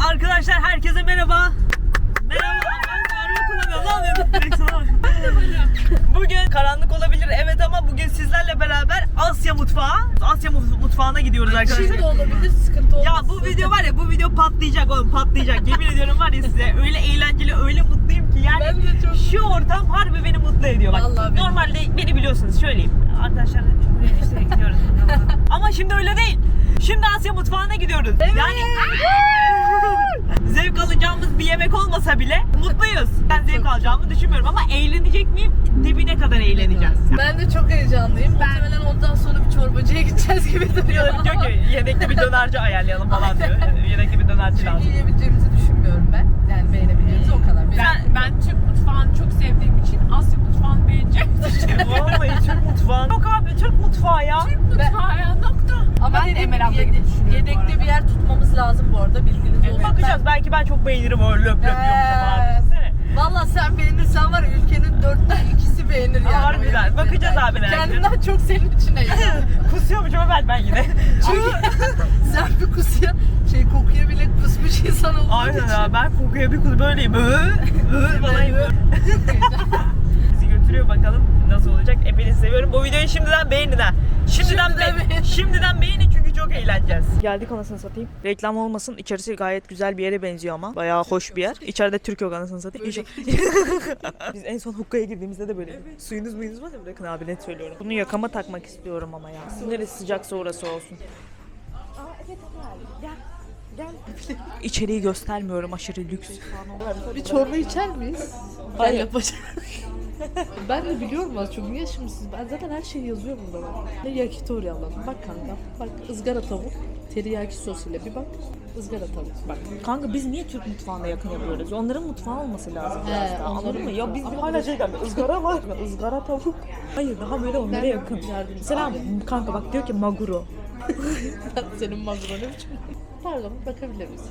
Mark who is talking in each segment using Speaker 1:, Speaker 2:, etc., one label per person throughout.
Speaker 1: Arkadaşlar herkese merhaba. Merhaba. Bugün karanlık olabilir evet ama bugün sizlerle beraber Asya mutfağına gidiyoruz arkadaşlar.
Speaker 2: Şimdi de olabilir, sıkıntı olmaz.
Speaker 1: Ya bu video var ya, bu video patlayacak oğlum, patlayacak. Yemin ediyorum var ya size, öyle eğlenceli, öyle mutluyum ki yani.
Speaker 2: Ben de çok...
Speaker 1: Şu ortam harbi beni mutlu ediyor. Bak,
Speaker 2: Vallahi
Speaker 1: normalde beni biliyorsunuz, söyleyeyim. Arkadaşlar işte gidiyoruz. Ama şimdi öyle değil. Şimdi Asya mutfağına gidiyoruz.
Speaker 2: Evet.
Speaker 1: Yani zevk alacağımız bir yemek olmasa bile mutluyuz. Ben zevk alacağımı düşünmüyorum ama eğlenecek miyim? Dibine kadar eğleneceğiz.
Speaker 2: Ben de çok heyecanlıyım. Muhtemelen ondan sonra bir çorbacıya gideceğiz gibi duruyor.
Speaker 1: Diyor ki yedekli bir dönerci ayarlayalım falan diyor. Yedekli bir dönerci lazım.
Speaker 2: Çünkü yiyebileceğimizi düşünmüyorum ben. Yani beğenebileceğimizi o kadar.
Speaker 3: Ben Türk mutfağını çok sevdiğim için Asya mutfağını beğeneceğim.
Speaker 1: Vallahi Türk mutfağı. Yok abi, Türk mutfağı ya.
Speaker 3: Türk mutfağı ya, nokta.
Speaker 2: Ama
Speaker 3: Ben
Speaker 2: dediğim
Speaker 3: Emel abla
Speaker 2: gibi
Speaker 3: gibi düşünüyorum
Speaker 2: yedekte bir yer tutmamız lazım bu arada, bilginiz olsun.
Speaker 1: Bakacağız, belki ben çok beğenirim öyle löp löp yiyormuşum abi. Düşünsene.
Speaker 2: Valla sen beğenirsen var ya, ülkenin 2/4 beğenir yani.
Speaker 1: Harbiden. Bakacağız abi belki.
Speaker 2: Kendimden çok senin içine yani.
Speaker 1: Kusuyormuşum ben yine.
Speaker 2: Çünkü sen bir kokuya bile kusmuş insan olduğun
Speaker 1: Aynen
Speaker 2: için.
Speaker 1: ya, ben kokuya bir kus böyleyim. Falan yapıyorum. Bizi götürüyor, bakalım nasıl olacak. Hepinizi seviyorum. Bu videoyu şimdiden beğenin ha. Şimdiden beğenin çünkü çok eğleneceğiz. Geldik, anasını satayım. Reklam olmasın. İçerisi gayet güzel bir yere benziyor ama. Bayağı hoş bir yer. İçeride Türk yok, anasını satayım. Biz en son hukkaya girdiğimizde de böyle. Evet. Suyunuz var ya, bırakın abi, net söylüyorum. Bunu yakama takmak istiyorum ama ya. Neresi sıcaksa orası olsun. Gel. İçeriği göstermiyorum, aşırı lüks.
Speaker 2: Bir çorba içer miyiz?
Speaker 1: Hayır.
Speaker 2: Ben yapacağım. Ben de biliyorum az çok. Niye şimdi siz? Ben zaten her şeyi yazıyorum burada bak. Ne yakitori alalım. Bak kanka. Bak ızgara tavuk. Teriyaki sos ile bir bak. Izgara tavuk. Bak.
Speaker 1: Kanka biz niye Türk mutfağına yakın yapıyoruz? Onların mutfağı olması lazım biraz daha. Anladın
Speaker 2: onların
Speaker 1: mı? Ya biz
Speaker 2: mutfağı.
Speaker 1: hala şey geldi. Izgara var mı? Izgara tavuk. Hayır, daha böyle onlara yakın. Mesela kanka bak, diyor ki maguro.
Speaker 2: Senin magro ne biçim? Pardon, bakabilir misin?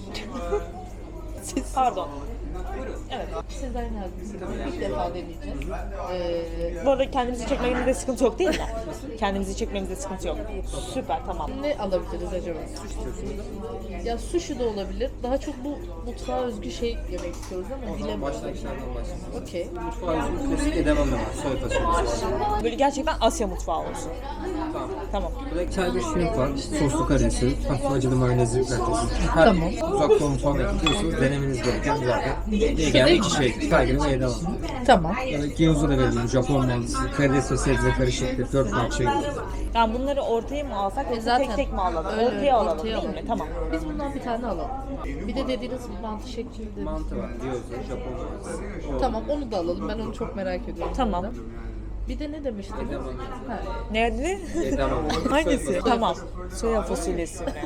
Speaker 1: Pardon.
Speaker 2: Evet. Siz aynı halde ilk defa deneyeceğiz.
Speaker 1: Bu arada kendimizi çekmemizde sıkıntı yok değil mi? Kendimizi çekmemizde sıkıntı yok. Süper, tamam.
Speaker 2: Ne alabiliriz acaba? Ya sushi de olabilir. Daha çok bu mutfağa özgü şey yemek istiyoruz ama bilemiyorum.
Speaker 4: Başlangıçlardan başlayalım.
Speaker 2: Okey.
Speaker 4: Mutfağı yüzünün klasik edamame var. Soy fasulyesi.
Speaker 1: Böyle gerçekten Asya mutfağı olsun.
Speaker 4: Tamam.
Speaker 1: Tamam.
Speaker 4: Burada Tiger shrimp var. Soslu karidesi. Hafif acılı mayonezli kalitesi. Her
Speaker 2: Tamam.
Speaker 4: uzak doğu mutfağına gidiyorsunuz. Denemeniz gereken zaten. Diye geldi iki şey. Tiger'ın ve edamame.
Speaker 2: Tamam.
Speaker 4: Gyoza da verelim. Japon mantısı. Karides ve sebze karışıktır. 4 parça.
Speaker 1: Yani bunları ortaya mı alsak yoksa
Speaker 2: Zaten
Speaker 1: tek mi alalım?
Speaker 2: öyle,
Speaker 1: Ortaya alalım
Speaker 2: ortaya
Speaker 1: değil
Speaker 2: alalım.
Speaker 1: mi? Tamam.
Speaker 2: Biz bundan bir tane alalım. Bir de dediğiniz mantı şeklinde.
Speaker 4: Mantı var. Gyoza, Japon mantısı.
Speaker 2: Tamam, onu da alalım. Ben onu çok merak ediyorum.
Speaker 1: Tamam.
Speaker 2: Bir de ne demiştiniz? Ha.
Speaker 1: Nerede?
Speaker 4: Edamame.
Speaker 1: Hangisi? Tamam. Soya fasulyesi mi?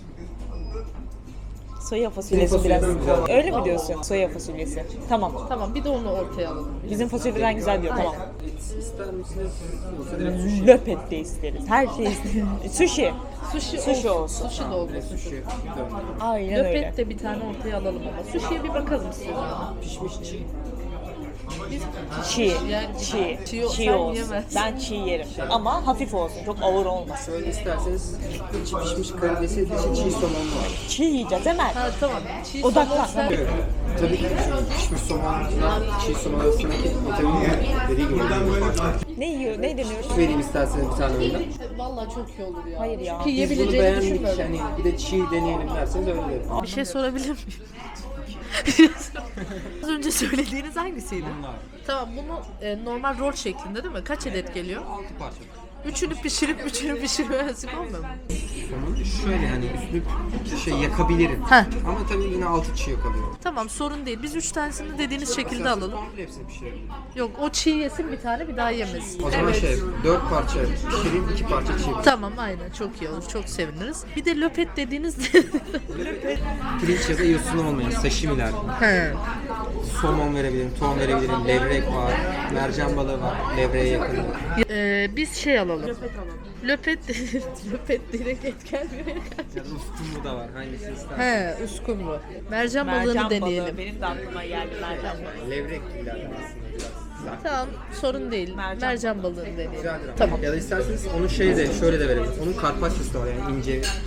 Speaker 1: Soya fasulyesi biraz. Öyle mi diyorsun? Soya fasulyesi. Tamam.
Speaker 2: Tamam, bir de onu ortaya alalım.
Speaker 1: Bizim fasulyeden güzel diyor. Tamam.
Speaker 4: İster misiniz? Yoksa direkt sushi.
Speaker 1: Löpet de isteriz. Her şey isteriz. Sushi.
Speaker 2: Sushi
Speaker 1: olsun.
Speaker 2: Sushi de olmasın.
Speaker 4: Sushi.
Speaker 1: Aynen öyle.
Speaker 2: Löpet de bir tane ortaya alalım ama. Sushi'ye bir bakalım siz.
Speaker 4: Pişmiş çiğ.
Speaker 1: Çiğ.
Speaker 2: Yani
Speaker 1: Çiğ
Speaker 2: sen
Speaker 1: olsun.
Speaker 2: yemezsin.
Speaker 1: Ben çiğ yerim. Ama hafif olsun. Çok ağır olmasın.
Speaker 4: Böyle isterseniz içi pişmiş karidesi, dışı çiğ somon var.
Speaker 1: Çiğ yiyeceğiz hemen.
Speaker 2: Ha tamam. Çiğ
Speaker 1: Odaklan.
Speaker 2: somon sen-
Speaker 4: Evet. Tabii ki pişmiş somonla çiğ somon arasındaki vitamin dediği gibi
Speaker 1: Ne yiyor? Ne deniyor?
Speaker 4: vereyim isterseniz bir tane önden.
Speaker 2: Vallahi çok iyi olur ya.
Speaker 1: Hayır ya.
Speaker 2: Çünkü
Speaker 4: Biz bunu
Speaker 2: yiyebileceğini
Speaker 4: beğendik,
Speaker 2: düşünmüyorum.
Speaker 4: hani bir de çiğ deneyelim derseniz öyle derim.
Speaker 2: Bir şey sorabilir miyim? Az önce söylediğiniz hangisiydi?
Speaker 4: Bunlar
Speaker 2: Tamam, bunu normal rol şeklinde değil mi? Kaç adet geliyor?
Speaker 4: 6 parça.
Speaker 2: Üçünü pişirmesi olmuyor mu?
Speaker 4: Somun şöyle hani üstünü yakabilirim.
Speaker 2: Heh.
Speaker 4: Ama tabii yine altı çiğ kalıyor.
Speaker 2: Tamam, sorun değil. Biz 3 tanesini dediğiniz şekilde alalım.
Speaker 4: Komple hepsini pişirebilirim.
Speaker 2: Yok, o çiğ yesin bir tane, bir daha yemesin.
Speaker 4: O zaman 4 parça pişireyim, 2 parça çiğ.
Speaker 2: Tamam, aynen, çok iyi olur. Çok seviniriz. Bir de löpet dediğiniz
Speaker 4: Pirinç ya da yosun olmayan sashimiler.
Speaker 2: He.
Speaker 4: Somon verebilirim, ton verebilirim, levrek var, mercan balığı var, levreye yakın.
Speaker 2: Biz şey alalım. Löpet löpet direkt et gelmiyor.
Speaker 4: Ya da uskumru da var, hangisini istersen.
Speaker 2: He, uskumru. Mercan balığını deneyelim.
Speaker 1: Benim de aklıma geldi mercan balığı.
Speaker 4: Levrek gibilerden aslında biraz. Güzel.
Speaker 2: Tamam, sorun değil. Mercan balığını deneyelim.
Speaker 4: Güzeldir ama.
Speaker 2: Tamam.
Speaker 4: Ya da isterseniz onun şöyle de verebiliriz. Onun karpacciası da var yani ince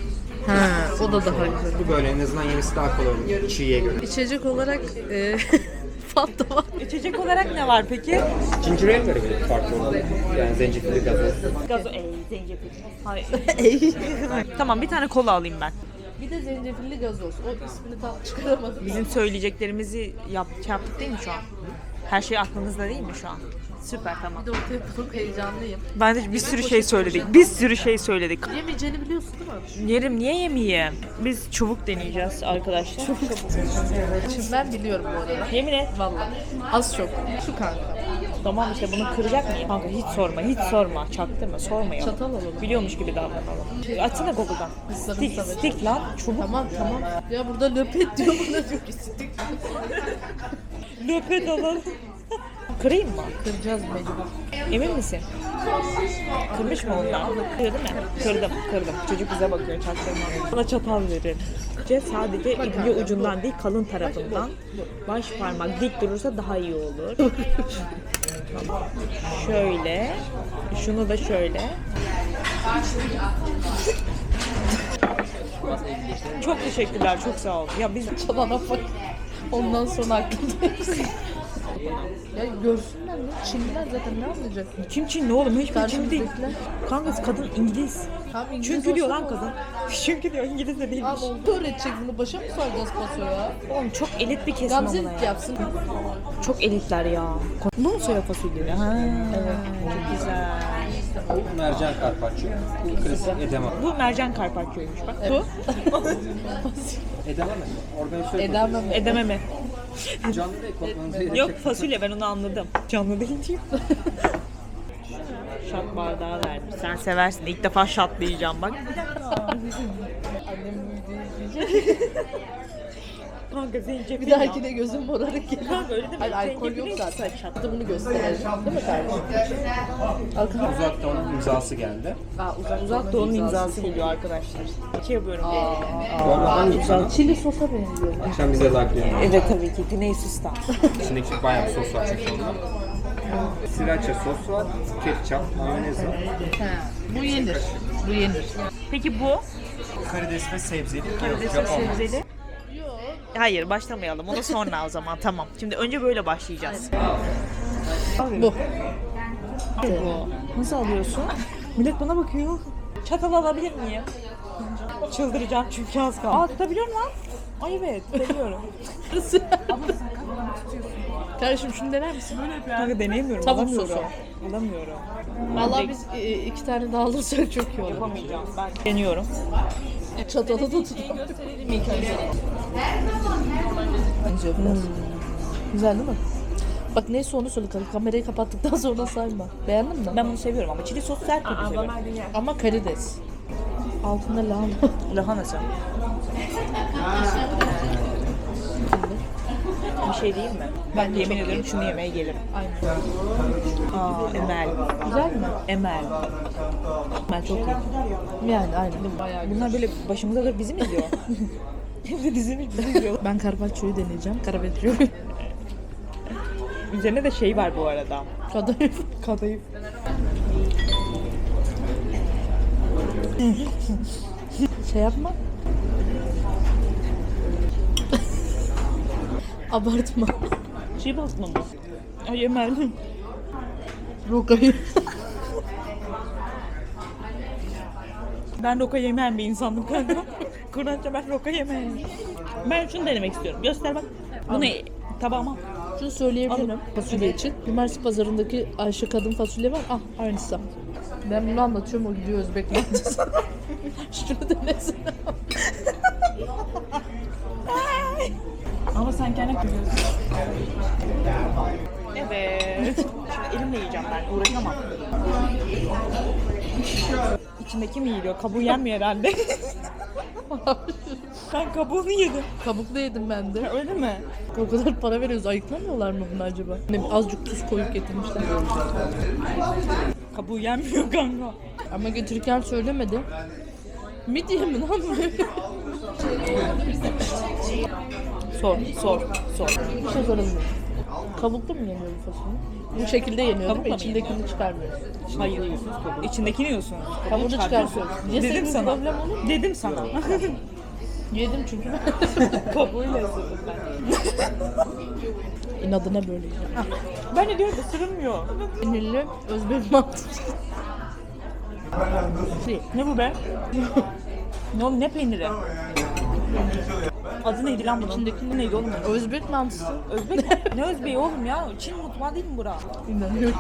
Speaker 2: He, o da daha güzel.
Speaker 4: Bu böyle en azından yemesi daha kolay olur çiğye göre.
Speaker 2: İçecek olarak Fanta var.
Speaker 1: İçecek olarak ne var peki?
Speaker 4: Ginger ale verebilirim farklı olarak. Yani zencefilli gazoz.
Speaker 1: Gazo, zencefil. Hayır. Tamam, bir tane kola alayım ben.
Speaker 2: Bir de zencefilli gazoz. O ismini tam çıkaramadım.
Speaker 1: Bizim söyleyeceklerimizi yaptık değil mi şu an? Her şey aklınızda değil mi şu an? Süper, tamam.
Speaker 2: Bir de ortaya çok heyecanlıyım.
Speaker 1: Ben de bir sürü şey söyledik. Bir sürü şey söyledik.
Speaker 2: Yemeyeceğini biliyorsun değil mi?
Speaker 1: Yerim, niye yemeyeyim? Biz çubuk deneyeceğiz arkadaşlar.
Speaker 2: Şimdi ben biliyorum bu arada.
Speaker 1: Yemin et.
Speaker 2: Vallahi. Az çok. Şu kanka.
Speaker 1: Tamam işte, bunu kıracak mıyım? Kanka hiç sorma, hiç sorma. Çaktırma, sormayalım.
Speaker 2: Çatal alalım.
Speaker 1: Biliyormuş gibi davranalım. Açsana Google'dan. Stick, stick lan. Çubuk.
Speaker 2: Tamam. Ya burada löpet diyor, bana diyor ki stick.
Speaker 1: Löpet alalım. Kırayım mı?
Speaker 2: Kıracağız mecbur.
Speaker 1: Emin misin? Kırmış mı ondan? Kırdı mı? Kırdım. Çocuk bize bakıyor, çaktırma. Bana çatal verin. Sadece ipliği ucundan değil, kalın tarafından. Baş parmak dik durursa daha iyi olur. Tamam. Şöyle. Şunu da şöyle. Çok teşekkürler, çok sağ olun. Ya biz
Speaker 2: Çalana bak. Ondan sonra aklımda. Ya görsünler ne? Çinliler zaten ne anlayacak?
Speaker 1: kim Çinli oğlum? Hiçbir Çinli değil.
Speaker 2: Karşımızdakiler.
Speaker 1: Kanka kadın İngiliz.
Speaker 2: Tamam, İngiliz
Speaker 1: Çünkü diyor
Speaker 2: olsa
Speaker 1: lan
Speaker 2: ne
Speaker 1: kadın. Çünkü diyor İngiliz de değilmiş.
Speaker 2: Abi oldu öğretecek bunu. Başa mı saracağız paso ya?
Speaker 1: Oğlum çok elit bir kesim
Speaker 2: Gamze
Speaker 1: ama ya.
Speaker 2: yapsın.
Speaker 1: Çok elitler ya. Bu mu soya fasulye? Ha, evet. Çok güzel.
Speaker 4: Bu mercan karpaccio. Bu klasik edamame.
Speaker 1: Bu mercan karpaccio'ymuş bak. Bu
Speaker 4: Edamame. Organizasyon.
Speaker 2: Edemem.
Speaker 1: edememe.
Speaker 4: Canlı değil, kokmanızı gerek
Speaker 1: Yok fasulye, ben onu anladım. Canlı değil diyeyim. Şat bardağı vermiş. Sen seversin. İlk defa şatlayacağım bak. Kanka zencefil.
Speaker 2: Bir dahakine gözüm morarık gelir.
Speaker 1: Kanka öyle deme.
Speaker 2: Hayır, alkol yok
Speaker 1: Zencefil
Speaker 2: zaten.
Speaker 1: şat.
Speaker 2: Hatta bunu gösterelim. Değil mi kardeşim? Alkol.
Speaker 4: Uzak Doğu'nun imzası geldi.
Speaker 1: Uzak Doğu'nun imzası geliyor arkadaşlar. İki yapıyorum diye.
Speaker 4: Bu arada hangi sana?
Speaker 2: Çili sosa benziyor.
Speaker 4: Akşam bize lakliyor.
Speaker 1: Evet tabii ki. Güney Sus'tan.
Speaker 4: İçindeki bayağı bir sos var çünkü onda. Sriracha sos var, ketçap, mayonez var.
Speaker 2: Bu yenir. Bu yenir.
Speaker 1: Peki bu?
Speaker 4: Karides ve sebzeli.
Speaker 1: Karides ve sebzeli. Hayır, başlamayalım. Onu sonra o zaman. Tamam. Şimdi önce böyle başlayacağız.
Speaker 2: Bu.
Speaker 1: Bu. Nasıl alıyorsun? Millet bana bakıyor. Çatal alabilir miyim? Çıldıracağım çünkü az kaldı. Aa, tutabiliyor musun lan? Ay evet, tutabiliyorum.
Speaker 2: Kardeşim şunu dener misin?
Speaker 1: Kanka deneyemiyorum.
Speaker 2: Tavuk
Speaker 1: alamıyorum.
Speaker 2: sosu.
Speaker 1: Alamıyorum.
Speaker 2: Vallahi biz iki tane daha alırsak çok iyi olur.
Speaker 1: Yapamayacağım. Ben deniyorum.
Speaker 2: Çatalı da tutalım. Güzel değil mi? Bak neyse onu söyle. Kamerayı kapattıktan sonra sayma. Beğendin mi?
Speaker 1: Ben bunu seviyorum ama çili sos sert bir seviyorum.
Speaker 2: Ama karides. Altında lahana.
Speaker 1: Lahanası. Bir şey değil mi? Ben yemin ediyorum şunu yemeye gelirim.
Speaker 2: Aynen.
Speaker 1: Aa, Emel.
Speaker 2: Güzel mi?
Speaker 1: Emel. Emel çok iyi.
Speaker 2: Yani aynen. Bayağı güzel.
Speaker 1: Bunlar böyle başımıza da bizi mi izliyor? Hem de dizimiz bizi izliyor.
Speaker 2: Ben carpaccio'yu deneyeceğim. Carpaccio'yu.
Speaker 1: Üzerine de şey var bu arada.
Speaker 2: Kadayıf.
Speaker 1: Kadayıf.
Speaker 2: Şey yapma. Abartma.
Speaker 1: Şey basma mı? Ay Emel.
Speaker 2: Rokayı.
Speaker 1: Ben roka yemeyen bir insandım kanka. Kur'anca ben roka yemeyen. Ben şunu denemek istiyorum. Göster bak. Bunu tabağıma.
Speaker 2: Şunu söyleyebilirim fasulye için. Cumartesi pazarındaki Ayşe kadın fasulye var. Ah aynısı. Ben bunu anlatıyorum, o gidiyor Özbek mantısı. Şunu denesin.
Speaker 1: Ama sen kendine kızıyorsun. Evet. Şimdi elimle yiyeceğim ben. Uğraşamam. İçindeki mi yiyiliyor? Kabuğu yenmiyor herhalde. Ben kabuğunu yedim.
Speaker 2: Kabuklu yedim ben de.
Speaker 1: Öyle mi?
Speaker 2: O kadar para veriyoruz. Ayıklamıyorlar mı bunu acaba? Ne, azıcık tuz koyup getirmişler.
Speaker 1: Kabuğu yenmiyor kanka.
Speaker 2: Ama getirirken söylemedi. Midye mi lan?
Speaker 1: Sor.
Speaker 2: Bir şey sorabilirim. Kabuklu mu yeniyor bu fasulye? Bu şekilde yeniyor
Speaker 1: Kabukla
Speaker 2: değil mi?
Speaker 1: mı
Speaker 2: İçindekini çıkarmıyoruz.
Speaker 1: Hayır. İçindekini yiyorsun.
Speaker 2: Kabuğunu çıkartıyoruz.
Speaker 1: Dedim
Speaker 2: Yesek
Speaker 1: sana.
Speaker 2: problem olur mu?
Speaker 1: Dedim sana.
Speaker 2: Yedim çünkü ben.
Speaker 1: Kabuğuyla ısırdım ben.
Speaker 2: İnadına böyle yiyeceğim.
Speaker 1: Ben de diyorum ısırılmıyor.
Speaker 2: Peynirli Özbek mantısı.
Speaker 1: Ne bu be? Ne oğlum ne peyniri? Adı neydi lan bunun?
Speaker 2: İçindeki
Speaker 1: neydi oğlum?
Speaker 2: Özbek mantısı.
Speaker 1: Özbek mi? Ne Özbeği oğlum ya? Çin mutfağı değil mi bura?
Speaker 2: İnanıyorum.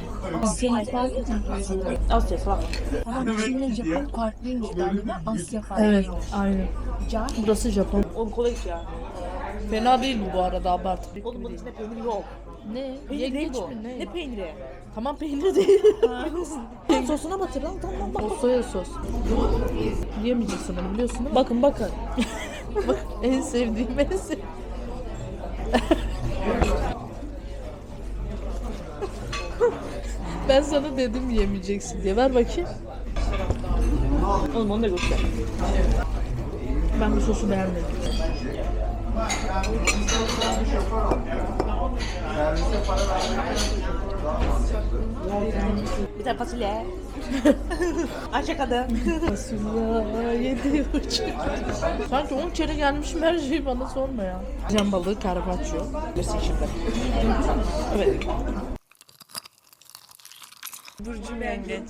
Speaker 1: Asya falan.
Speaker 3: Ama Çin'le Japon farklıymış galiba. Asya farklı.
Speaker 2: Evet, aynen. Burası Japon.
Speaker 1: Oğlum kolay iş ya.
Speaker 2: Fena değil bu arada, abart.
Speaker 1: Oğlum bunun içinde peynir yok.
Speaker 2: Ne?
Speaker 1: Peynir değil
Speaker 2: Yengeç
Speaker 1: bu.
Speaker 2: mi? Ne?
Speaker 1: Ne peyniri?
Speaker 2: Tamam, peynir değil.
Speaker 1: Sosuna batır lan tamam bak.
Speaker 2: O soya sos. Yemeyeceksin onu, biliyorsun değil mi?
Speaker 1: Bakın bakın.
Speaker 2: Bak, en sevdiğim. Ben sana dedim yemeyeceksin diye. Ver bakayım.
Speaker 1: Oğlum onu da göster.
Speaker 2: Ben bu sosu beğenmedim.
Speaker 1: Bir tane fasulye. Ayşe kadın.
Speaker 2: Fasulye 7,5. Sanki 10 kere gelmişim, her şeyi bana sorma ya. Can balığı carpaccio.
Speaker 1: Göster şimdi. Evet. Burcu yengeç.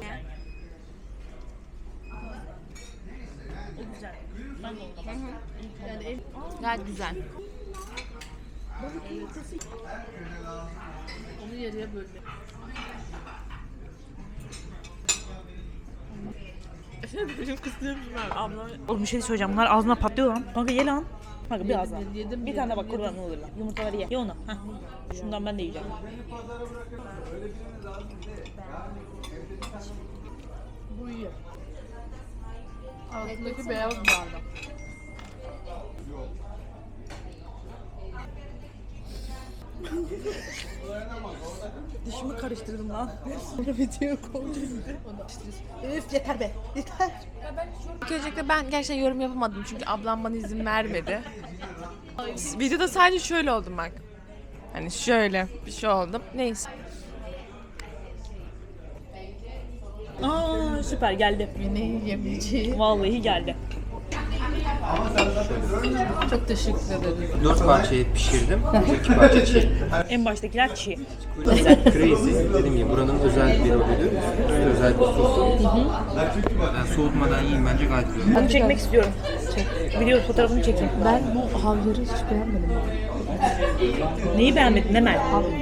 Speaker 3: Gayet güzel.
Speaker 2: Onu yarıya böldüm.
Speaker 1: Benim kıstığım ben ablam. Oğlum bir şey söyleyeceğim. Bunlar ağzına patlıyor lan. Kanka ye lan. Kanka bir ağzına.
Speaker 2: Yedim,
Speaker 1: Bir tane de bak kurban olur lan. Yumurtaları ye. Ye onu. Heh. Şundan ben de yiyeceğim.
Speaker 2: Bu iyi. Altındaki beyaz bardak.
Speaker 1: Dişimi karıştırdım lan.
Speaker 2: Sonra video koydum. Üf, yeter be. Yeter.
Speaker 3: İlk öncelikle ben gerçekten yorum yapamadım çünkü ablam bana izin vermedi. Videoda sadece şöyle oldum bak. Hani şöyle bir şey oldum. Neyse.
Speaker 1: Aa süper geldi.
Speaker 2: Beni yemeyeceğim.
Speaker 1: Vallahi geldi.
Speaker 2: Çok teşekkür ederim.
Speaker 4: 4 parçayı pişirdim. 2 parça çiğ.
Speaker 1: En baştakiler çiğ.
Speaker 4: Crazy. Dediğim gibi buranın özel bir rolüdür. Özel bir sosu. Yani soğutmadan yiyin bence gayet güzel.
Speaker 1: Bunu çekmek istiyorum. Video fotoğrafını çekeyim.
Speaker 2: Ben bu havyarı hiç beğenmedim.
Speaker 1: Neyi beğenmedin Emel?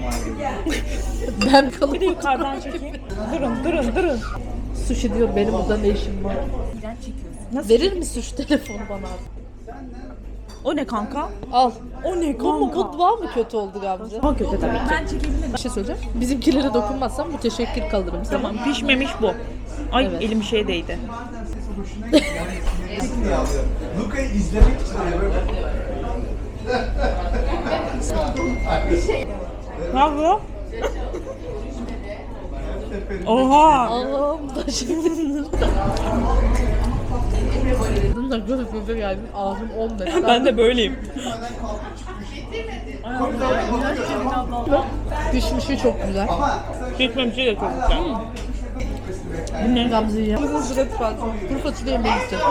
Speaker 2: Ben
Speaker 1: Bir de
Speaker 2: kalıp
Speaker 1: yukarıdan çekeyim. Durun.
Speaker 2: sushi diyor, benim burada ne işim var?
Speaker 1: Nasıl?
Speaker 2: Verir misin şu telefonu bana?
Speaker 1: O ne kanka?
Speaker 2: Al.
Speaker 1: O ne
Speaker 2: Bu mu, bu var mı kötü oldu Gamze?
Speaker 1: Daha kötü tabii ki.
Speaker 2: Bir şey söyleyeceğim. Bizimkilere dokunmazsam müteşekkir kalırım sana.
Speaker 1: Tamam pişmemiş bu. Ay
Speaker 2: Evet.
Speaker 1: elim şeye değdi.
Speaker 5: Luka'yı izlemek için
Speaker 1: Ne yapıyor? Oha!
Speaker 2: Allah'ım da şimdi. Bunlar göz geldi. Ağzım 10 dakika.
Speaker 1: Ben de böyleyim.
Speaker 2: Pişmişi çok güzel.
Speaker 1: Pişmemişi de çok güzel. Bu ne?
Speaker 2: Gamze'yi yem. Kuru fasulye yemeği istedim.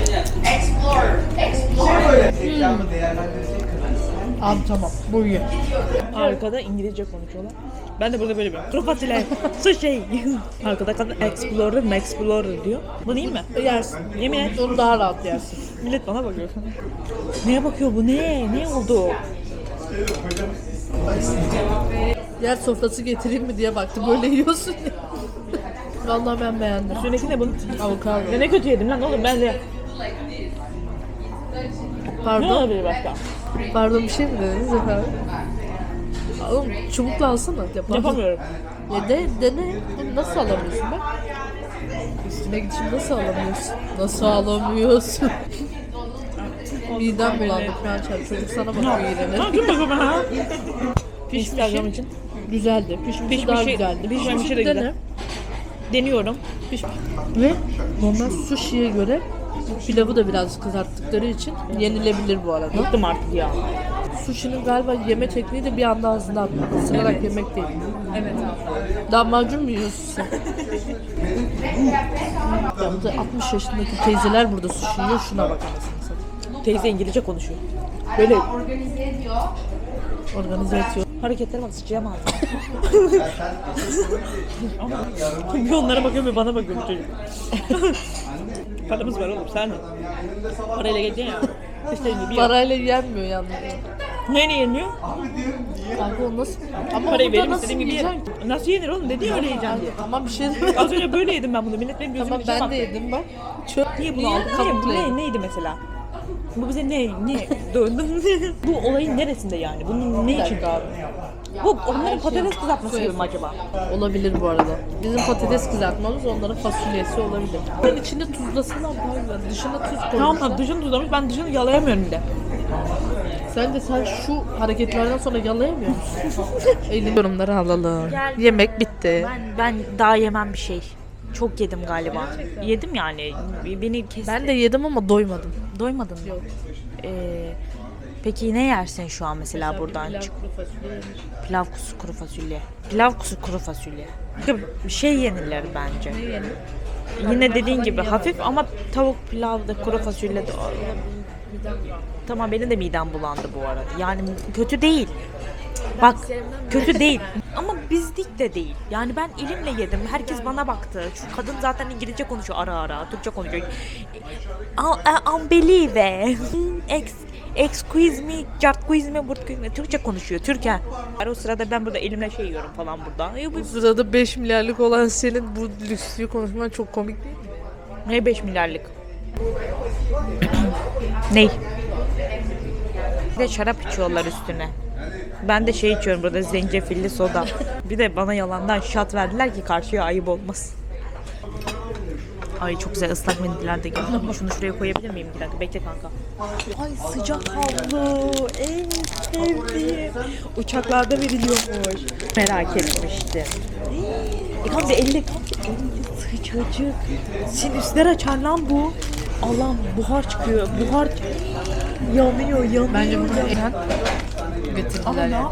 Speaker 2: Abi tamam, bu iyi.
Speaker 1: Arkada İngilizce konuşuyorlar. Ben de burada böyle bir kuru fasulye, sushi. Arkada kadın explorer diyor. Bu iyi mi?
Speaker 2: Yersin.
Speaker 1: Yemin et.
Speaker 2: Onu daha rahat yersin.
Speaker 1: Millet bana bakıyor. Neye bakıyor bu? Ne oldu?
Speaker 2: Yer sofrası getireyim mi diye baktı. Böyle yiyorsun ya. Vallahi ben beğendim.
Speaker 1: Üstündeki ne bunun?
Speaker 2: Avokado.
Speaker 1: Ya ne kötü yedim lan oğlum ben de. Ne
Speaker 2: Pardon.
Speaker 1: olabilir başka?
Speaker 2: Pardon, bir şey mi dediniz efendim? Oğlum çubukla alsana.
Speaker 1: Yapamıyorum.
Speaker 2: Ya dene. Bunu nasıl alamıyorsun bak? Üstüne gidişim nasıl alamıyorsun? Nasıl alamıyorsun? Midem bulandı Françer. Çocuk sana bakıyor yine.
Speaker 1: Dur bakalım ha. Instagram
Speaker 2: Pişmişi
Speaker 1: için.
Speaker 2: güzeldi. Pişmişi daha güzeldi.
Speaker 1: Pişmemişi de
Speaker 2: dene.
Speaker 1: güzel. Deniyorum.
Speaker 2: Ve normal sushi'ye göre pilavı da biraz kızarttıkları için yenilebilir bu arada.
Speaker 1: Bıktım artık ya.
Speaker 2: sushi'nin galiba yeme tekniği de bir anda ağzına atmak. Isırarak yemek değil.
Speaker 3: Evet abi.
Speaker 2: Lahmacun mu yiyorsun sen? Ya bu da 60 yaşındaki teyzeler burada sushi yiyor. Şuna bak anasını satayım.
Speaker 1: Teyze İngilizce konuşuyor.
Speaker 2: Böyle organize ediyor.
Speaker 1: Hareketler bak sıçacağım ağzına. Bir onlara bakıyorum ve bana bakıyorum çocuk. Paramız var oğlum sen de. Parayla geleceksin ya. İşte bir
Speaker 2: Parayla yenmiyor yalnız.
Speaker 1: Neyle yeniyor?
Speaker 2: Kanka o nasıl? Ama
Speaker 1: Parayı
Speaker 2: burada
Speaker 1: verim
Speaker 2: nasıl
Speaker 1: istediğim gibi
Speaker 2: yiyeceksin
Speaker 1: yerim.
Speaker 2: ki?
Speaker 1: Nasıl yenir oğlum? Dedi ya öyle yiyeceğim diye.
Speaker 2: Tamam bir şey demiyorum.
Speaker 1: Az önce böyle yedim ben bunu. Millet benim gözümün
Speaker 2: Tamam
Speaker 1: içine
Speaker 2: ben
Speaker 1: baktı.
Speaker 2: de yedim bak. Çöp
Speaker 1: Niye bunu aldın?
Speaker 2: kabukla yedim.
Speaker 1: Neydi mesela? Bu bize ne? Bu olayın neresinde yani? Bunun ne için?
Speaker 2: abi?
Speaker 1: Bu onların patates kızartması gibi mi acaba?
Speaker 2: Olabilir bu arada. Bizim patates kızartmamız onların fasulyesi olabilir. Ben içinde tuzlasınlar bazen. Dışına tuz koymuşlar.
Speaker 1: Tamam dışını tuzlamış. Ben dışını yalayamıyorum bir de.
Speaker 2: Sen şu hareketlerden sonra yalayamıyor musun? Eylül yorumları alalım.
Speaker 6: Gel.
Speaker 2: Yemek bitti.
Speaker 6: Ben daha yemem bir şey. Çok yedim galiba. Yedim yani. Beni kesti.
Speaker 2: Ben de yedim ama doymadım.
Speaker 6: Doymadın mı?
Speaker 2: Yok.
Speaker 6: Peki ne yersin şu an mesela buradan? Pilav kuzu kuru fasulye. Pilav kuzu kuru fasulye. Bir şey yenilir bence.
Speaker 2: Ne yenir?
Speaker 6: Yine dediğin gibi hafif ama tavuk pilav da kuru fasulye de Tamam benim de midem bulandı bu arada. Yani kötü değil. Bak kötü değil. Ama bizlik de değil. Yani ben elimle yedim. Herkes bana baktı. Şu kadın zaten İngilizce konuşuyor ara ara. Türkçe konuşuyor. Unbelieve. Excuse me, squeeze me, Türkçe konuşuyor. Türkan. O sırada ben burada elimle şey yiyorum falan burada.
Speaker 2: Bu sırada 5 milyarlık olan senin bu lüksü konuşman çok komik değil mi?
Speaker 6: Ne 5 milyarlık? Ney? Bir de şarap içiyorlar üstüne. Ben de şey içiyorum burada zencefilli soda. Bir de bana yalandan şat verdiler ki karşıya ayıp olmasın. Ay çok güzel ıslak mendiller de geldi. Şunu şuraya koyabilir miyim? Bir dakika bekle kanka. Ay sıcak havlu. En sevdiğim. Uçaklarda veriliyormuş. Merak etmiştim. Kanka elli sıcacık. Sinüsler açar lan bu. Allah'ım buhar çıkıyor. Buhar yanıyor.
Speaker 2: Bence bunu en getirdiler ya.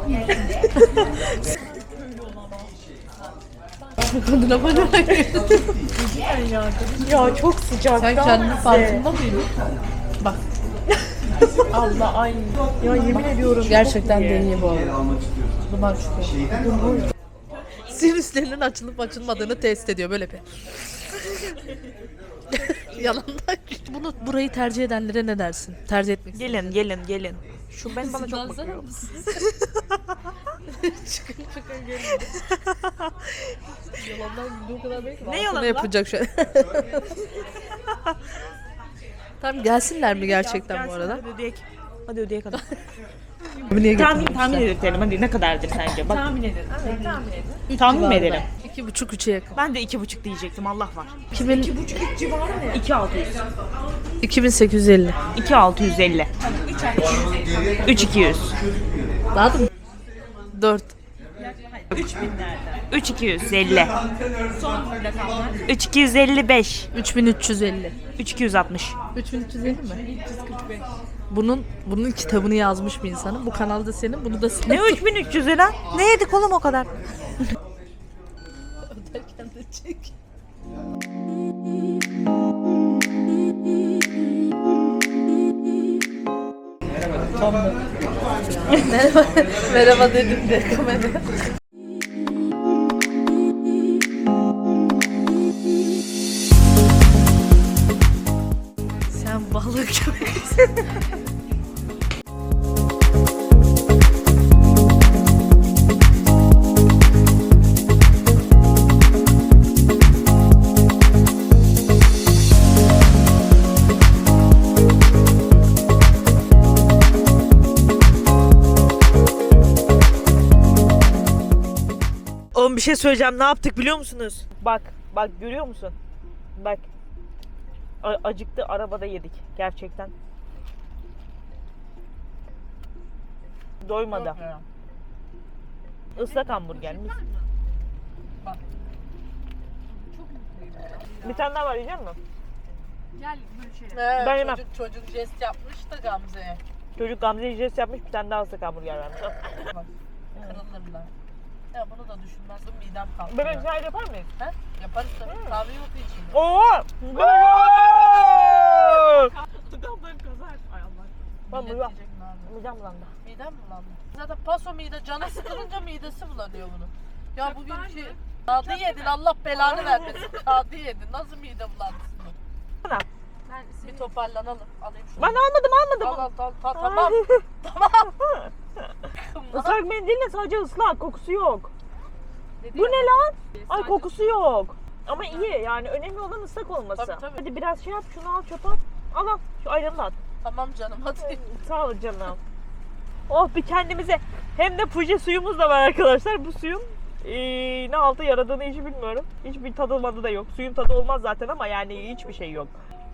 Speaker 2: Kadına bana
Speaker 6: Ya çok sıcak.
Speaker 2: Sen kendinin farkında mıydın? Bak.
Speaker 6: Allah ay. Ya yemin ediyorum.
Speaker 2: Gerçekten de iyi bu arada. Duman çıkıyor. Sinüslerinin açılıp açılmadığını test ediyor böyle bir. Yalandan. Burayı tercih edenlere ne dersin? Tercih etmek istiyorum.
Speaker 6: Gelin. Şu ben bana çok bakıyor.
Speaker 2: Çıkın gelin. Yalandan güldüğü kadar belki.
Speaker 6: Ne yalan lan?
Speaker 2: Yapacak şu an. Tamam gelsinler mi gerçekten bu arada?
Speaker 6: Hadi ödeyek hadi.
Speaker 2: Niye
Speaker 6: Tahmin edelim hadi ne kadardır sence? Bak. Tahmin edelim. Evet, tahmin mi edelim?
Speaker 2: 2,5-3'e yakın.
Speaker 6: Ben de 2,5 diyecektim Allah var.
Speaker 2: 2,5
Speaker 6: civarı ne? 2,600.
Speaker 2: 2.850.
Speaker 6: 2,650. 3,200.
Speaker 2: Daha da mı? 4.
Speaker 6: 3,250. Son rakamlar. 3,255.
Speaker 2: 3.350.
Speaker 6: 3,260.
Speaker 2: 3.350 mi? 345. Bunun kitabını yazmış bir insanın. Bu kanalda senin, bunu da sen.
Speaker 6: Ne 3.300 lira? Ne yedik oğlum o kadar?
Speaker 2: Öderken de çek. Merhaba dedim de kamera. Sen balık gibisin.
Speaker 1: Oğlum bir şey söyleyeceğim. Ne yaptık biliyor musunuz? Bak görüyor musun? Bak. Acıktı arabada yedik gerçekten. Doymadı. Islak hamburger mis. Bir tane daha var yiyecek misin?
Speaker 2: Ben
Speaker 1: yemem.
Speaker 2: Çocuk jest yapmış da Gamze'ye.
Speaker 1: Çocuk Gamze'ye jest yapmış, bir tane daha ıslak hamburger vermiş.
Speaker 2: Kırılırlar. Ya bunu da düşünmezdim, midem kalktı.
Speaker 1: Bebek çay yapar mıyız?
Speaker 2: He? Yaparız tabii. Kahve yok için.
Speaker 1: Oo!
Speaker 2: Tıkanları kazar. Ay Allah.
Speaker 1: Ben
Speaker 2: Millet
Speaker 1: buyuram.
Speaker 2: diyecek ne abi?
Speaker 1: Midem bulandı.
Speaker 2: Midem bulandı. Zaten paso mide, canı sıkılınca midesi bulanıyor bunun. Ya bugünkü kağıdı yedin, Allah belanı vermesin. Kağıdı yedin. Nasıl mide bulantısın?
Speaker 1: Bana.
Speaker 2: Bir toparlanalım. Alayım şunu.
Speaker 1: Ben almadım.
Speaker 2: Al, tamam. Tamam.
Speaker 1: Islak mendille sadece ıslak, kokusu yok.
Speaker 2: Dedi
Speaker 1: Bu
Speaker 2: ya.
Speaker 1: ne lan? Ay kokusu yok. Ama iyi yani önemli olan ıslak olması.
Speaker 2: Tabii, tabii.
Speaker 1: Hadi biraz şey yap, şunu al çöpe at. Al şu ayranı da at.
Speaker 2: Tamam canım hadi.
Speaker 1: Sağ ol canım. Oh bir kendimize. Hem de Fuji suyumuz da var arkadaşlar. Bu suyun ne altı yaradığını hiç bilmiyorum. Hiçbir tadı da yok. Suyun tadı olmaz zaten ama yani hiçbir şey yok.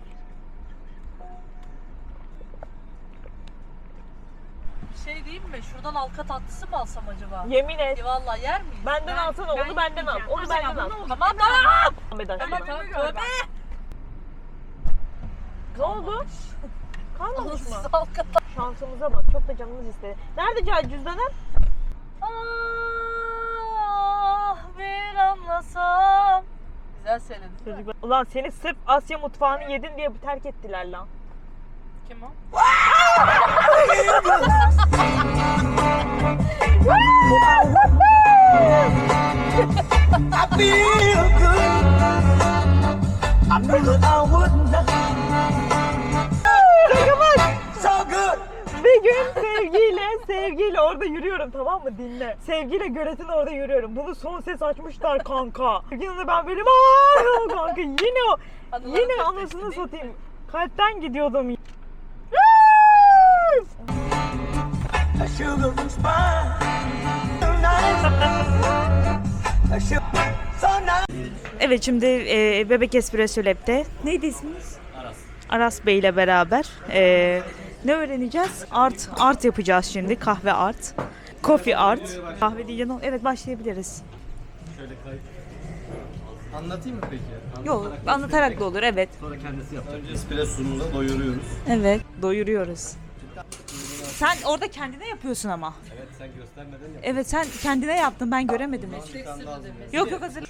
Speaker 2: Şey diyeyim mi? Şuradan halka tatlısı mı alsam acaba?
Speaker 1: Yemin et.
Speaker 2: Vallahi yer miyiz?
Speaker 1: Benden alsana, onu benden al. Onu benden al.
Speaker 2: Tamam.
Speaker 1: Ahmet aşkına.
Speaker 2: Ama tövbe.
Speaker 1: Ne oldu? Kalmamış mı?
Speaker 2: Alsız halka tatlısı.
Speaker 1: Şansımıza bak. Çok da canımız istedi. Nerede cüzdanın?
Speaker 2: Ah bir anlasam. Güzel söyledin değil mi?
Speaker 1: Ulan seni sırf Asya mutfağını yedin diye terk ettiler lan.
Speaker 2: Kim o?
Speaker 5: I feel good. I knew that I would not. So good.
Speaker 1: Bir gün sevgiyle orada yürüyorum, tamam mı, dinle. Sevgiyle göletin orada yürüyorum. Bunu son ses açmışlar kanka. Yine ben benim kanka yine
Speaker 2: Anıları
Speaker 1: yine
Speaker 2: tek
Speaker 1: anasını
Speaker 2: tek değil
Speaker 1: satayım. Kalpten gidiyordum.
Speaker 5: A sugar was fine. So nice. A sugar so nice.
Speaker 6: Evet şimdi Bebek Espresso Lab'de neydi isminiz? Aras Bey ile beraber ne öğreneceğiz? Art yapacağız şimdi. Kahve art. Coffee art. Kahve diyeceğim. Evet başlayabiliriz.
Speaker 4: Şöyle kayıt. Anlatayım mı peki?
Speaker 6: Yok anlatarak da olur evet.
Speaker 4: Sonra kendisi yapacak. Önce espressumuza doyuruyoruz.
Speaker 6: Evet doyuruyoruz. Sen orada kendine yapıyorsun ama.
Speaker 4: Evet sen göstermeden yap.
Speaker 6: Evet sen kendine yaptın ben göremedim hiç. Yok hazır.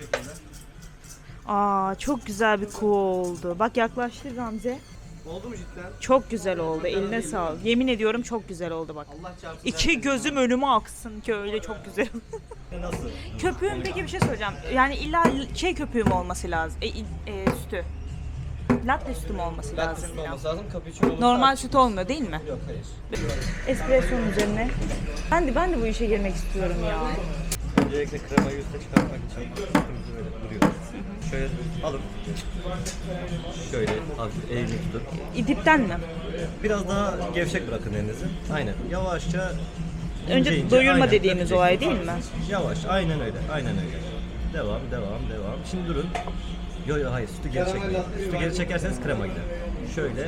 Speaker 6: Aa çok güzel bir kuğu oldu. Bak yaklaştı Gamze.
Speaker 4: Oldu mu cidden?
Speaker 6: Çok güzel oldu. Eline sağlık. Yemin ediyorum çok güzel oldu bak.
Speaker 4: Allah çarpsın.
Speaker 6: İki gözüm önüme aksın ki öyle çok güzel.
Speaker 4: Nasıl?
Speaker 6: Köpüğün peki bir şey söyleyeceğim. Yani illa şey köpüğü mü olması lazım? Sütü. Latte sütü mü olması
Speaker 4: Latte
Speaker 6: lazım?
Speaker 4: süt
Speaker 6: biraz?
Speaker 4: olması lazım. Cappuccino olursa
Speaker 6: Normal süt olmuyor değil mi?
Speaker 4: Yok hayır.
Speaker 6: Espresso'nun üzerine. Ben de bu işe girmek istiyorum ya.
Speaker 4: Öncelikle kremayı üste çıkartmak için sütümüzü böyle vuruyoruz. Şöyle alın. Şöyle hafif eğimli tutun.
Speaker 6: Dipten mi?
Speaker 4: Biraz daha gevşek bırakın elinizi. Aynen. Yavaşça
Speaker 6: Önce
Speaker 4: ince,
Speaker 6: doyurma
Speaker 4: aynen,
Speaker 6: dediğimiz
Speaker 4: dökeceksiniz.
Speaker 6: olay değil mi?
Speaker 4: Yavaş. Aynen öyle. Aynen öyle. Devam. Şimdi durun. Yo hayır. Sütü geri çekmeyin. Sütü geri çekerseniz krema gider. Şöyle.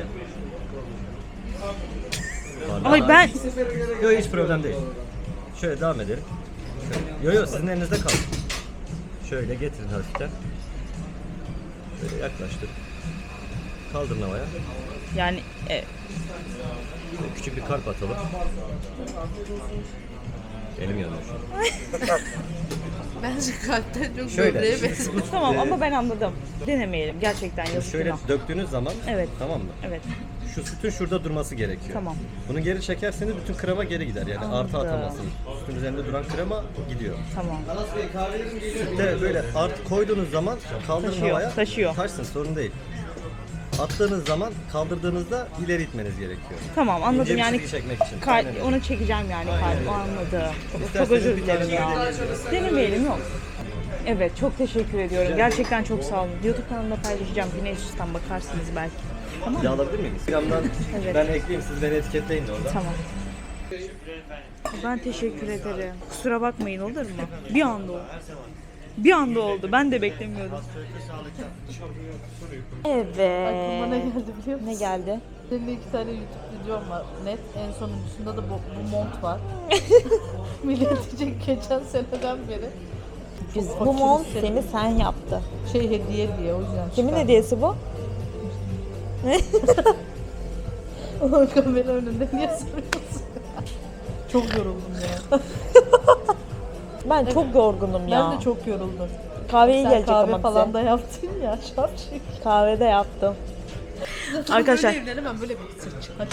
Speaker 6: Ay ben
Speaker 4: Yo hiç problem değil. Şöyle devam edelim. Yo sizin elinizde kalsın. Şöyle getirin hafiften. Böyle yaklaştır. Kaldırın havaya.
Speaker 6: yani
Speaker 4: Küçük bir kalp atalım. Elim yanıyor şu an.
Speaker 2: Bence kalpten çok
Speaker 4: Şöyle.
Speaker 2: böbreğe benziyor.
Speaker 6: tamam ama ben anladım. Denemeyelim gerçekten yazık
Speaker 4: Şöyle
Speaker 6: günah.
Speaker 4: döktüğünüz zaman
Speaker 6: Evet.
Speaker 4: tamam mı?
Speaker 6: Evet
Speaker 4: Şu sütün şurada durması gerekiyor.
Speaker 6: Tamam.
Speaker 4: Bunu geri çekerseniz bütün krema geri gider. Yani artı atamazsınız. Sütün üzerinde duran krema gidiyor.
Speaker 6: tamam.
Speaker 4: Sütte böyle artı koyduğunuz zaman kaldırın
Speaker 6: Taşıyor,
Speaker 4: havaya.
Speaker 6: taşıyor.
Speaker 4: Taşsın sorun değil. Attığınız zaman kaldırdığınızda ileri itmeniz gerekiyor.
Speaker 6: Tamam anladım
Speaker 4: İnce bir
Speaker 6: yani
Speaker 4: çizgi çekmek için. Aynen öyle.
Speaker 6: onu çekeceğim yani kalp anladım. Çok
Speaker 4: İsterseniz
Speaker 6: özür
Speaker 4: bir tane
Speaker 6: dilerim ya.
Speaker 4: deneyebilirsiniz.
Speaker 6: Denemeyelim yok. Evet çok teşekkür ediyorum. Gerçekten çok sağ olun. YouTube kanalımda paylaşacağım. Güneş Üstten bakarsınız belki. Tamam
Speaker 4: Bir
Speaker 6: mı?
Speaker 4: alabilir miyim? Instagram'dan
Speaker 6: Evet.
Speaker 4: ben ekleyeyim siz beni etiketleyin de orada.
Speaker 6: Tamam. Ben teşekkür ederim. Kusura bakmayın olur mu? Bir anda oldu. Bir anda oldu. Ben de beklemiyordum. Evet.
Speaker 2: Aklıma ne geldi biliyor musun?
Speaker 6: Ne geldi?
Speaker 2: Senin 2 tane YouTube videom var net. En sonuncusunda da bu mont var. Millet diyecek geçen seneden beri.
Speaker 6: Bu mont seni sen yaptı.
Speaker 2: Şey hediye diye o yüzden
Speaker 6: Kimin
Speaker 2: çıkardım.
Speaker 6: hediyesi bu?
Speaker 2: Ulan kamera önünde niye soruyorsun? Çok yoruldum ya.
Speaker 6: Ben çok yorgunum ya.
Speaker 2: Ben de çok yoruldum.
Speaker 6: Kahveye
Speaker 2: Sen
Speaker 6: gelecek
Speaker 2: kahve
Speaker 6: ama
Speaker 2: falan
Speaker 6: bize.
Speaker 2: da yaptın ya. Şapşik.
Speaker 6: Kahvede yaptım.
Speaker 1: Arkadaşlar.
Speaker 2: Böyle evlenemem böyle bir sırt çıkar.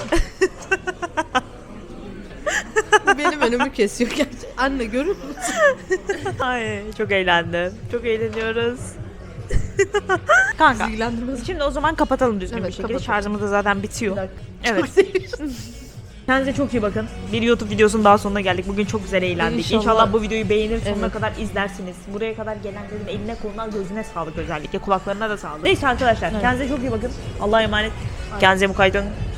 Speaker 2: Bu benim önümü kesiyor gerçekten. Anne görür müsün?
Speaker 1: Ay çok eğlendim. Çok eğleniyoruz. Kanka.
Speaker 2: İlgilendirmez.
Speaker 1: Şimdi o zaman kapatalım düzgün
Speaker 2: Evet,
Speaker 1: bir şekilde.
Speaker 2: kapatalım.
Speaker 1: Şarjımız da zaten bitiyor.
Speaker 2: Bir dakika.
Speaker 1: Evet. Kendinize çok iyi bakın. Bir YouTube videosunun daha sonuna geldik. Bugün çok güzel eğlendik.
Speaker 2: İnşallah.
Speaker 1: İnşallah bu videoyu beğenir, sonuna
Speaker 2: Evet.
Speaker 1: kadar izlersiniz. Buraya kadar gelenlerin eline koluna gözüne sağlık özellikle. Kulaklarına da sağlık. Neyse arkadaşlar kendinize çok iyi bakın. Allah'a emanet. Kendinize mukayyet olun.